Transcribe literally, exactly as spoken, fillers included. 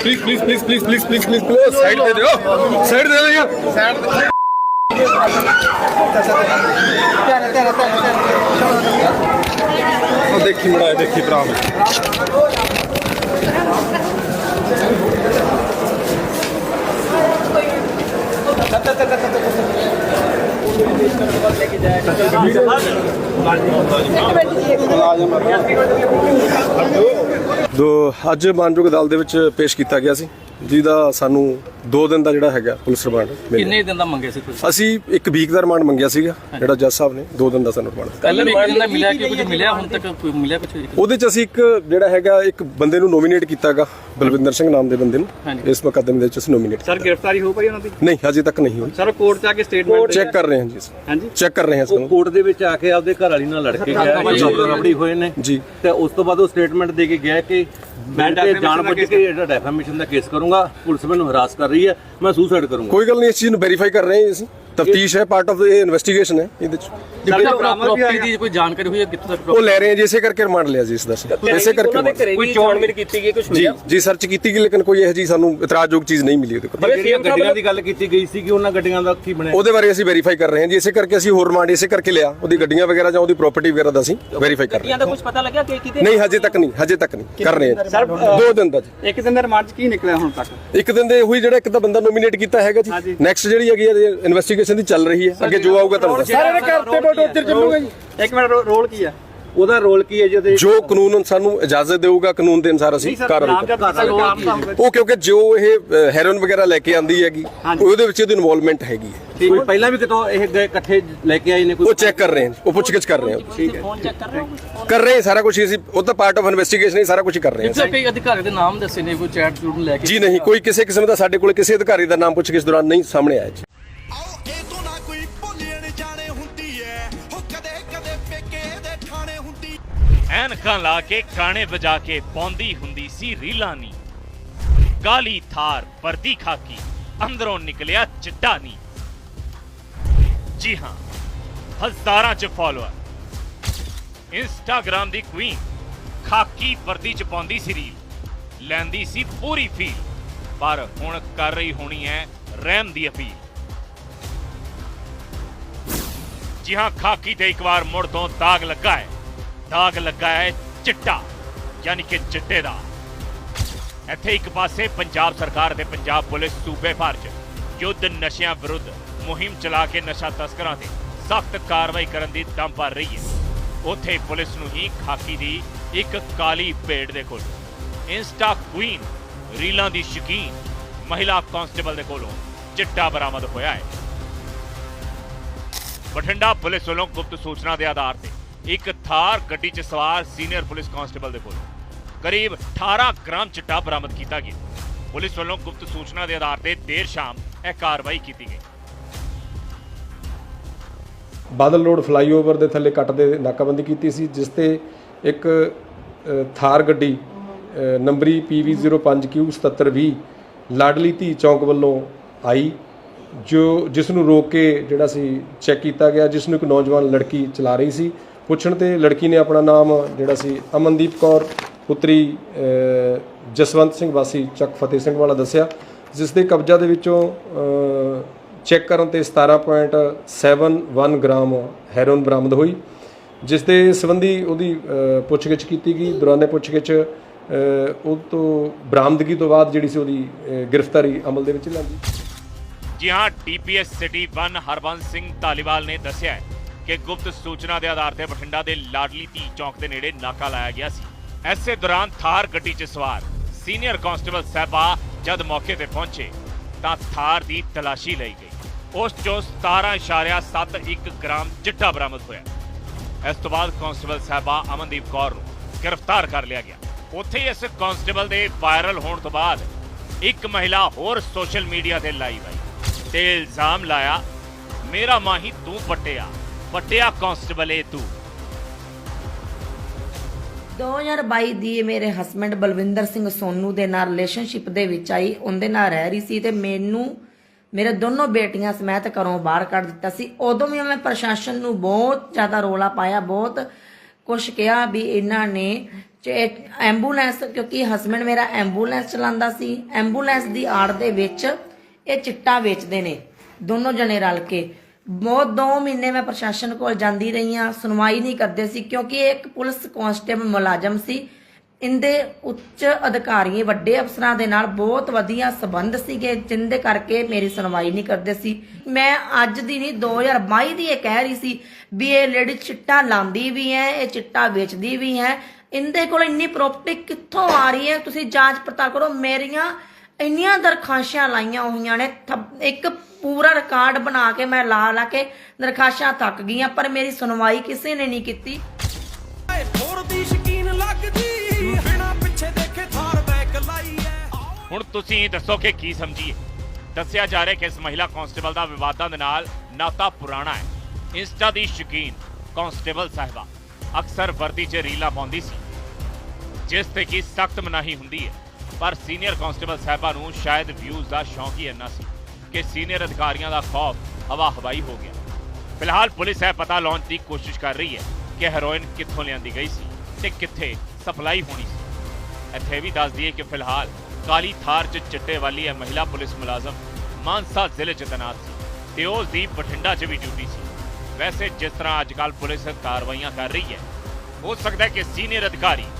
Please please please please please please please please side दे दो side दे दो यार साइड देखी बड़ा देखी भरा ਦੋ ਅੱਜ ਮਾਨਯੋਗ ਅਦਾਲਤ ਦੇ ਵਿੱਚ ਪੇਸ਼ ਕੀਤਾ ਗਿਆ ਸੀ ਜਿਹਦਾ ਸਾਨੂੰ ਦੋ ਦਿਨ ਦਾ ਜਿਹੜਾ ਹੈਗਾ ਪੁਲਿਸ ਰਿਮਾਂਡ ਮਿਲਿਆ। ਕਿੰਨੇ ਦਿਨ ਦਾ ਮੰਗਿਆ ਸੀ ਤੁਸੀਂ? ਅਸੀਂ ਇੱਕ ਵੀਕ ਦਾ ਰਿਮਾਂਡ ਮੰਗਿਆ ਸੀਗਾ ਜਿਹੜਾ ਜੱਜ ਸਾਹਿਬ ਨੇ ਦੋ ਦਿਨ ਦਾ ਸਾਨੂੰ ਰਿਮਾਂਡ ਦਿੱਤਾ। ਕੱਲ ਰਿਮਾਂਡ ਦਾ ਮਿਲਿਆ ਕਿ ਕੁਝ ਮਿਲਿਆ ਹੁਣ ਤੱਕ ਕੋਈ ਮਿਲਿਆ ਕੁਝ? ਉਹਦੇ ਚ ਅਸੀਂ ਇੱਕ ਜਿਹੜਾ ਹੈਗਾ ਇੱਕ ਬੰਦੇ ਨੂੰ ਨੋਮੀਨੇਟ ਕੀਤਾਗਾ ਬਲਵਿੰਦਰ ਸਿੰਘ ਨਾਮ ਦੇ ਬੰਦੇ ਨੂੰ ਇਸ ਮੁਕੱਦਮੇ ਦੇ ਵਿੱਚ ਅਸੀਂ ਨੋਮੀਨੇਟ। ਸਰ ਗ੍ਰਿਫਤਾਰੀ ਹੋ ਪਈ ਉਹਨਾਂ ਦੀ? ਨਹੀਂ ਹਜੇ ਤੱਕ ਨਹੀਂ ਹੋਈ ਸਰ ਕੋਰਟ ਚ ਆ ਕੇ ਸਟੇਟਮੈਂਟ ਚੈੱਕ ਕਰ ਰਹੇ ਹਾਂ ਜੀ। ਹਾਂਜੀ ਚੈੱਕ ਕਰ ਰਹੇ ਹਾਂ ਇਸ ਨੂੰ। ਕੋਰਟ ਦੇ ਵਿੱਚ ਆ ਕੇ ਆਪਦੇ ਘਰ ਵਾਲੀ ਨਾਲ ਲੜ ਕੇ ਗਿਆ ਰਬੜੀ ਹੋਏ ਨੇ ਜੀ ਤੇ ਉਸ ਤੋਂ ਬਾਅਦ ਉਹ ਸਟੇਟਮੈਂਟ ਦੇ ਕੇ ਗਿਆ ਕਿ ਮੈਂ ਜਾਣ ਬੁੱਝ ਕੇ ਜਿਹੜਾ ਡੈਫਾਮੇਸ਼ਨ ਦਾ ਕੇਸ ਕਰੂੰਗਾ, ਪੁਲਿਸ ਮੈਨੂੰ ਹਰਾਸ ਕਰ ਰਹੀ ਹੈ, ਮੈਂ ਸੁਸਾਈਡ ਕਰੂੰਗਾ। ਕੋਈ ਗੱਲ ਨਹੀਂ, ਇਸ ਚੀਜ਼ ਨੂੰ ਵੈਰੀਫਾਈ ਕਰ ਰਹੇ ਹਾਂ ਅਸੀਂ। ਤਫਤੀਸ਼ ਹੈ, ਪਾਰਟ ਆਫ ਇਹ ਇਨਵੈਸਟੀਗੇਸ਼ਨ ਹੈ ਇਹਦੇ ਚ। ਪ੍ਰਾਪਰਟੀ ਦੀ ਕੋਈ ਜਾਣਕਾਰੀ ਹੋਈ ਹੈ ਕਿੱਥੋਂ ਤੱਕ? ਉਹ ਲੈ ਰਹੇ ਹਾਂ ਜੀ, ਇਸੇ ਕਰਕੇ ਰਿਮਾਂਡ ਲਿਆ ਜੀ ਇਸ ਦਾ। ਇਸੇ ਕਰਕੇ ਕੋਈ ਚੋਣਵੀਰ ਕੀਤੀ ਗਈ ਕੁਝ ਜੀ ਜੀ ਸਰਚ ਕੀਤੀ ਗਈ, ਲੇਕਿਨ ਕੋਈ ਇਹੋ ਜੀ ਸਾਨੂੰ ਇਤਰਾਜ਼ਯੋਗ ਚੀਜ਼ ਨਹੀਂ ਮਿਲੀ ਉਹਦੇ ਕੋਲ। ਜਿਹੜੀਆਂ ਗੱਡੀਆਂ ਦੀ ਗੱਲ ਕੀਤੀ ਗਈ ਸੀ ਕਿ ਉਹਨਾਂ ਗੱਡੀਆਂ ਦਾ ਕੀ ਬਣਿਆ, ਉਹਦੇ ਬਾਰੇ ਅਸੀਂ ਵੈਰੀਫਾਈ ਕਰ ਰਹੇ ਹਾਂ ਜੀ। ਇਸੇ ਕਰਕੇ ਅਸੀਂ ਹੋਰ ਰਿਮਾਂਡ ਇਸੇ ਕਰਕੇ ਲਿਆ, ਉਹਦੀ ਗੱਡੀਆਂ ਵਗੈਰਾ ਜਾਂ ਉਹਦੀ ਪ੍ਰਾਪਰਟੀ ਵਗੈਰਾ ਦਾ ਅਸੀਂ ਵੈਰੀਫਾਈ ਕਰ ਰਹੇ ਹਾਂ। ਦਾ ਕੁਝ ਪਤਾ ਲੱਗਿਆ ਕਿ ਕਿਤੇ? ਨਹੀਂ ਹਜੇ ਤੱਕ ਨਹੀਂ, ਹਜੇ ਤੱਕ ਨਹੀਂ ਕਰ ਰਹੇ ਹਾਂ। ਦੋ ਦਿਨ ਦਾ ਜੀ। ਇੱਕ ਦਿਨ ਦਾ ਰਿਮਾਂਡ ਕੀ ਨਿਕਲਿਆ ਹੁਣ ਤੱਕ? ਇੱਕ ਦਿਨ ਦੇ ਹੋਈ ਜਿਹੜਾ ਇੱਕ ਤਾਂ ਬੰਦਾ ਨੋਮੀਨੇਟ ਕੀਤਾ ਹੈਗਾ ਜੀ। ਨੈਕਸਟ ਜਿਹੜੀ ਹੈਗੀ ਇਨਵੈਸਟੀਗੇਸ਼ਨ ਦੀ ਚੱਲ ਰਹੀ ਹੈ, ਅੱਗੇ ਜੋ ਆਊਗਾ ਤੁਹਾਨੂੰ ਦੱਸਾਂਗੇ। ਸਾਰੇ ਘਰ ਤੇ ਟੋਰਚਰ ਚੱਲੂਗਾ ਜੀ। ਇੱਕ ਮਿੰਟ ਰੋਲ ਕੀ ਆ ਉਹਦਾ ਰੋਲ ਕੀ ਹੈ ਜਿਹਦੇ ਜੋ ਕਾਨੂੰਨ ਸਾਨੂੰ ਇਜਾਜ਼ਤ ਦੇਊਗਾ, ਕਾਨੂੰਨ ਦੇ ਅਨੁਸਾਰ ਅਸੀਂ ਕਾਰਵਾਈ ਕਰਾਂਗੇ। ਉਹ ਕਿਉਂਕਿ ਜੋ ਇਹ ਹੈਰੋਇਨ ਵਗੈਰਾ ਲੈ ਕੇ ਆਂਦੀ ਹੈਗੀ ਉਹਦੇ ਵਿੱਚ ਇਹਦੀ ਇਨਵੋਲਵਮੈਂਟ ਹੈਗੀ ਹੈ। ਕੋਈ ਪਹਿਲਾਂ ਵੀ ਕਿਤੋਂ ਇਹ ਗਏ ਇਕੱਠੇ ਲੈ ਕੇ ਆਏ ਨੇ ਕੋਈ? ਉਹ ਚੈੱਕ ਕਰ ਰਹੇ ਹਾਂ, ਉਹ ਪੁੱਛਗਿੱਛ ਕਰ ਰਹੇ ਹਾਂ। ਠੀਕ ਹੈ, ਫੋਨ ਚੈੱਕ ਕਰ ਰਹੇ ਹੋ? ਕਰ ਰਹੇ ਹਾਂ ਸਾਰਾ ਕੁਝ ਅਸੀਂ, ਉਹ ਤਾਂ ਪਾਰਟ ਆਫ ਇਨਵੈਸਟੀਗੇਸ਼ਨ ਹੀ ਸਾਰਾ ਕੁਝ ਕਰ ਰਹੇ ਹਾਂ। ਕਿਸੇ ਕਈ ਅਧਿਕਾਰੀ ਦੇ ਨਾਮ ਦੱਸੇ ਨੇ, ਕੋਈ ਚੈਟ ਚੂਟ ਲੈ ਕੇ? ਜੀ ਨਹੀਂ, ਕੋਈ ਕਿਸੇ ਕਿਸਮ ਦਾ ਸਾਡੇ ਕੋਲ ਕਿਸੇ ਅਧਿਕਾਰੀ ਦਾ ਨਾਮ ਪੁੱਛਗਿੱਛ ਦੌਰਾਨ ਨਹੀਂ ਸਾਹਮਣੇ ਆਇਆ ਜੀ। ਐਨਕਾਂ ਲਾ ਕੇ ਗਾਣੇ ਵਜਾ ਕੇ ਪਾਉਂਦੀ ਹੁੰਦੀ ਸੀ ਰੀਲਾਂ ਨੀ, ਕਾਲੀ ਥਾਰ ਵਰਦੀ ਖਾਕੀ ਅੰਦਰੋਂ ਨਿਕਲਿਆ ਚਿੱਟਾ ਨੀ। ਜੀ ਹਾਂ, ਹਜ਼ਾਰਾਂ ਚ ਫਾਲੋਅਰ, ਇੰਸਟਾਗ੍ਰਾਮ ਦੀ ਕੁਈਨ, ਖਾਕੀ ਵਰਦੀ ਚ ਪਾਉਂਦੀ ਸੀ ਰੀਲ, ਲੈਂਦੀ ਸੀ ਪੂਰੀ ਫੀਲ, ਪਰ ਹੁਣ ਕਰ ਰਹੀ ਹੋਣੀ ਹੈ ਰਹਿਮ ਦੀ ਅਪੀਲ। ਜੀ ਹਾਂ, ਖਾਕੀ ਤੇ ਇੱਕ ਵਾਰ ਮੁੜ ਤੋਂ ਦਾਗ ਲੱਗਾ ਹੈ, ਦਾਗ ਲੱਗਾ ਹੈ ਚਿੱਟਾ, ਯਾਨੀ ਕਿ ਚਿੱਟੇ ਦਾ। ਇੱਥੇ ਇੱਕ ਪਾਸੇ ਪੰਜਾਬ ਸਰਕਾਰ ਤੇ ਪੰਜਾਬ ਪੁਲਿਸ ਸੂਬੇ ਭਰ 'ਚ ਯੁੱਧ ਨਸ਼ਿਆਂ ਵਿਰੁੱਧ ਮੁਹਿੰਮ ਚਲਾ ਕੇ ਨਸ਼ਾ ਤਸਕਰਾਂ ਤੇ ਸਖਤ ਕਾਰਵਾਈ ਕਰਨ ਦੀ ਦਮ ਭਰ ਰਹੀ ਹੈ, ਉੱਥੇ ਪੁਲਿਸ ਨੂੰ ਹੀ ਖਾਕੀ ਦੀ ਇੱਕ ਕਾਲੀ ਭੇਡ ਦੇ ਕੋਲ ਇੰਸਟਾ ਕੁਈਨ, ਰੀਲਾਂ ਦੀ ਸ਼ੌਕੀਨ ਮਹਿਲਾ ਕਾਂਸਟੇਬਲ ਦੇ ਕੋਲੋਂ ਚਿੱਟਾ ਬਰਾਮਦ ਹੋਇਆ ਹੈ। ਬਠਿੰਡਾ ਪੁਲਿਸ ਵੱਲੋਂ ਗੁਪਤ ਸੂਚਨਾ ਦੇ ਆਧਾਰ ਤੇ ਇੱਕ ਥਾਰ ਗੱਡੀ 'ਚ ਸਵਾਰ ਸੀਨੀਅਰ ਪੁਲਿਸ ਕਾਂਸਟੇਬਲ ਦੇ ਕੋਲ ਕਰੀਬ ਅਠਾਰਾਂ ਗ੍ਰਾਮ ਚਿੱਟਾ ਬਰਾਮਦ ਕੀਤਾ ਗਿਆ। ਪੁਲਿਸ ਵੱਲੋਂ ਗੁਪਤ ਸੂਚਨਾ ਦੇ ਆਧਾਰ ਤੇ ਦੇਰ ਸ਼ਾਮ ਇਹ ਕਾਰਵਾਈ ਕੀਤੀ ਗਈ। ਬਾਦਲ ਰੋਡ ਫਲਾਈਓਵਰ ਦੇ ਥੱਲੇ ਕੱਟ ਦੇ ਨਾਕਾਬੰਦੀ ਕੀਤੀ ਸੀ, ਜਿਸ ਤੇ ਇੱਕ ਥਾਰ ਗੱਡੀ ਨੰਬਰੀ ਪੀ ਵੀ ਜ਼ੀਰੋ ਪੰਜ ਕਿਊ ਸਤੱਤਰ ਵੀਹ ਲਾਡਲੀ ਧੀ ਚੌਂਕ ਵੱਲੋਂ ਆਈ, ਜੋ ਜਿਸ ਨੂੰ ਰੋਕ ਕੇ ਜਿਹੜਾ ਸੀ ਚੈੱਕ ਕੀਤਾ ਗਿਆ, ਜਿਸ ਨੂੰ ਇੱਕ ਨੌਜਵਾਨ ਲੜਕੀ ਚਲਾ ਰਹੀ ਸੀ। ਪੁੱਛਣ ਤੇ ਲੜਕੀ ਨੇ ਆਪਣਾ ਨਾਮ ਜਿਹੜਾ ਸੀ ਅਮਨਦੀਪ ਕੌਰ ਪੁੱਤਰੀ ਜਸਵੰਤ ਸਿੰਘ ਵਾਸੀ ਚੱਕ ਫਤਿਹ ਸਿੰਘ ਵਾਲਾ ਦੱਸਿਆ, ਜਿਸ ਦੇ ਕਬਜ਼ਾ ਦੇ ਵਿੱਚੋਂ ਚੈੱਕ ਕਰਨ ਤੇ ਸਤਾਰਾਂ ਪੁਆਇੰਟ ਸੱਤ ਇੱਕ ਗ੍ਰਾਮ ਹੈਰੋਇਨ ਬਰਾਮਦ ਹੋਈ, ਜਿਸ ਦੇ ਸੰਬੰਧੀ ਉਹਦੀ ਪੁੱਛਗਿੱਛ ਕੀਤੀ ਗਈ। ਦੌਰਾਨੇ ਪੁੱਛਗਿੱਛ ਉਹ ਤੋਂ ਬਰਾਮਦਗੀ ਤੋਂ ਬਾਅਦ ਜਿਹੜੀ ਸੀ ਉਹਦੀ ਗ੍ਰਿਫਤਾਰੀ ਅਮਲ ਦੇ ਵਿੱਚ ਲਿਆਂਦੀ। ਜੀ ਹਾਂ, DPS city one Harbans Singh Dhaliwal ਨੇ ਦੱਸਿਆ ਹੈ ਕਿ ਗੁਪਤ ਸੂਚਨਾ ਦੇ ਆਧਾਰ ਤੇ ਬਠਿੰਡਾ ਦੇ ਲਾਡਲੀ ਧੀ ਚੌਂਕ ਦੇ ਨੇੜੇ ਨਾਕਾ ਲਾਇਆ ਗਿਆ ਸੀ। ਐਸੇ ਦੌਰਾਨ ਥਾਰ ਗੱਡੀ 'ਚ ਸਵਾਰ ਸੀਨੀਅਰ ਕਾਂਸਟੇਬਲ ਸਾਹਿਬਾ ਜਦ ਮੌਕੇ ਤੇ ਪਹੁੰਚੇ ਤਾਂ ਥਾਰ ਦੀ ਤਲਾਸ਼ੀ ਲਈ ਗਈ। ਉਸ 'ਚੋਂ ਸਤਾਰਾਂ ਇਸ਼ਾਰਿਆ ਸੱਤ ਇੱਕ ਗ੍ਰਾਮ ਚਿੱਟਾ ਬਰਾਮਦ ਹੋਇਆ। ਇਸ ਤੋਂ ਬਾਅਦ ਕਾਂਸਟੇਬਲ ਸਾਹਿਬਾ ਅਮਨਦੀਪ ਕੌਰ ਨੂੰ ਗ੍ਰਿਫਤਾਰ ਕਰ ਲਿਆ ਗਿਆ। ਉੱਥੇ ਹੀ ਇਸ ਕਾਂਸਟੇਬਲ ਦੇ ਵਾਇਰਲ ਹੋਣ ਤੋਂ ਬਾਅਦ ਇੱਕ ਮਹਿਲਾ ਹੋਰ ਸੋਸ਼ਲ ਮੀਡੀਆ ਤੇ ਲਾਈਵ ਆਈ ਤੇ ਇਲਜ਼ਾਮ ਲਾਇਆ, ਮੇਰਾ ਮਾਹੀ ਤੂੰ ਪੱਟਿਆ ਪੱਟਿਆ ਕਾਂਸਟੇਬਲ ਏ ਤੂੰ। ਦੋ ਹਜ਼ਾਰ ਬਾਈ ਦੀ ਮੇਰੇ ਹਸਬੈਂਡ ਬਲਵਿੰਦਰ ਸਿੰਘ ਸੋਨੂ ਦੇ ਨਾਲ ਰਿਲੇਸ਼ਨਸ਼ਿਪ ਦੇ ਵਿੱਚ ਆਈ, ਉਹਦੇ ਨਾਲ ਰਹਿ ਰਹੀ ਸੀ ਤੇ ਮੈਨੂੰ ਮੇਰੇ ਦੋਨੋਂ ਬੇਟੀਆਂ ਸਮੇਤ ਘਰੋਂ ਬਾਹਰ ਕੱਢ ਦਿੱਤਾ ਸੀ। ਉਦੋਂ ਵੀ ਮੈਂ ਪ੍ਰਸ਼ਾਸਨ ਨੂੰ ਬਹੁਤ ਜ਼ਿਆਦਾ ਰੋਲਾ ਪਾਇਆ, ਬਹੁਤ ਕੁਛ ਕਿਹਾ ਵੀ ਇਹਨਾਂ ਨੇ ਚ- ਐਂਬੂਲੈਂਸ, ਕਿਉਂਕਿ ਹਸਬੈਂਡ ਮੇਰਾ ਐਂਬੂਲੈਂਸ ਚਲਾਉਂਦਾ ਸੀ, ਐਂਬੂਲੈਂਸ ਦੀ ਆੜ ਦੇ ਵਿੱਚ ਇਹ ਚਿੱਟਾ ਵੇਚਦੇ ਨੇ ਦੋਨੋਂ ਜਣੇ ਰਲ ਕੇ। ਬਹੁਤ ਦੋ ਮਹੀਨੇ ਮੈਂ ਪ੍ਰਸ਼ਾਸਨ ਕੋਲ ਜਾਂਦੀ ਰਹੀ ਹਾਂ, ਸੁਣਵਾਈ ਨਹੀਂ ਕਰਦੇ ਸੀ, ਕਿਉਂਕਿ ਇਹ ਇੱਕ ਪੁਲਿਸ ਕਾਂਸਟੇਬਲ ਮੁਲਾਜ਼ਮ ਸੀ। ਇਹਦੇ ਉੱਚ ਅਧਿਕਾਰੀ ਵੱਡੇ ਅਫਸਰਾਂ ਦੇ ਨਾਲ ਬਹੁਤ ਵਧੀਆ ਸਬੰਧ ਸੀਗੇ, ਜਿੰਦੇ ਕਰਕੇ ਮੇਰੀ ਸੁਣਵਾਈ ਨਹੀਂ ਕਰਦੇ ਸੀ। ਮੈਂ ਅੱਜ ਦੀ ਨਹੀਂ ਦੋ ਹਜ਼ਾਰ ਬਾਈ ਦੀ ਇਹ ਕਹਿ ਰਹੀ ਸੀ ਵੀ ਇਹ ਲੇਡੀ ਚਿੱਟਾ ਲਾਉਂਦੀ ਵੀ ਹੈ, ਇਹ ਚਿੱਟਾ ਵੇਚਦੀ ਵੀ ਹੈ, ਇਹਦੇ ਕੋਲ ਇੰਨੀ ਪ੍ਰੋਪਰਟੀ ਕਿੱਥੋਂ ਆ ਰਹੀ ਹੈ, ਤੁਸੀਂ ਜਾਂਚ ਪੜਤਾਲ ਕਰੋ। ਮੇਰੀਆਂ ਇੰਨੀਆਂ ਦਰਖਾਸ਼ਾਂ ਲਾਈਆਂ ਹੋਈਆਂ ਨੇ, ਥ- ਇੱਕ ਪੂਰਾ ਰਿਕਾਰਡ ਬਣਾ ਕੇ ਮੈਂ ਲਾ ਲਾ ਕੇ ਦਰਖਾਸ਼ਾਂ ਥੱਕ ਗਈਆਂ, ਪਰ ਮੇਰੀ ਸੁਣਵਾਈ ਕਿਸੇ ਨੇ ਨਹੀਂ ਕੀਤੀ। ਹੁਣ ਤੁਸੀਂ ਦੱਸੋ ਕਿ ਕੀ ਸਮਝੀਏ। ਦੱਸਿਆ ਜਾ ਰਿਹਾ ਕਿ ਇਸ ਮਹਿਲਾ ਕਾਂਸਟੇਬਲ ਦਾ ਵਿਵਾਦਾਂ ਦੇ ਨਾਲ ਨਾਤਾ ਪੁਰਾਣਾ ਹੈ। ਇੰਸਟਾ ਦੀ ਸ਼ੌਕੀਨ ਕਾਂਸਟੇਬਲ ਸਾਹਿਬਾ ਅਕਸਰ ਵਰਦੀ 'ਚ ਰੀਲਾਂ ਪਾਉਂਦੀ ਸੀ, ਜਿਸ ਤੇ ਕਿ ਸਖਤ ਮਨਾਹੀ ਹੁੰਦੀ ਹੈ, ਪਰ ਸੀਨੀਅਰ ਕਾਂਸਟੇਬਲ ਸਾਹਿਬਾ ਨੂੰ ਸ਼ਾਇਦ ਵਿਊਜ਼ ਦਾ ਸ਼ੌਂਕ ਹੀ ਇੰਨਾ ਸੀ ਕਿ ਸੀਨੀਅਰ ਅਧਿਕਾਰੀਆਂ ਦਾ ਖੌਫ ਹਵਾ ਹਵਾਈ ਹੋ ਗਿਆ। ਫਿਲਹਾਲ ਪੁਲਿਸ ਇਹ ਪਤਾ ਲਾਉਣ ਦੀ ਕੋਸ਼ਿਸ਼ ਕਰ ਰਹੀ ਹੈ ਕਿ ਹੈਰੋਇਨ ਕਿੱਥੋਂ ਲਿਆਂਦੀ ਗਈ ਸੀ ਤੇ ਕਿੱਥੇ ਸਪਲਾਈ ਹੋਣੀ ਸੀ। ਇੱਥੇ ਵੀ ਦੱਸ ਦਈਏ ਕਿ ਫਿਲਹਾਲ ਕਾਲੀ ਥਾਰ 'ਚ ਚਿੱਟੇ ਵਾਲੀ ਇਹ ਮਹਿਲਾ ਪੁਲਿਸ ਮੁਲਾਜ਼ਮ ਮਾਨਸਾ ਜ਼ਿਲ੍ਹੇ 'ਚ ਤੈਨਾਤ ਸੀ ਤੇ ਉਸ ਦੀ ਬਠਿੰਡਾ 'ਚ ਵੀ ਡਿਊਟੀ ਸੀ। ਵੈਸੇ ਜਿਸ ਤਰ੍ਹਾਂ ਅੱਜ ਕੱਲ੍ਹ ਪੁਲਿਸ ਕਾਰਵਾਈਆਂ ਕਰ ਰਹੀ ਹੈ, ਹੋ ਸਕਦਾ ਹੈ ਕਿ ਸੀਨੀਅਰ ਅਧਿਕਾਰੀ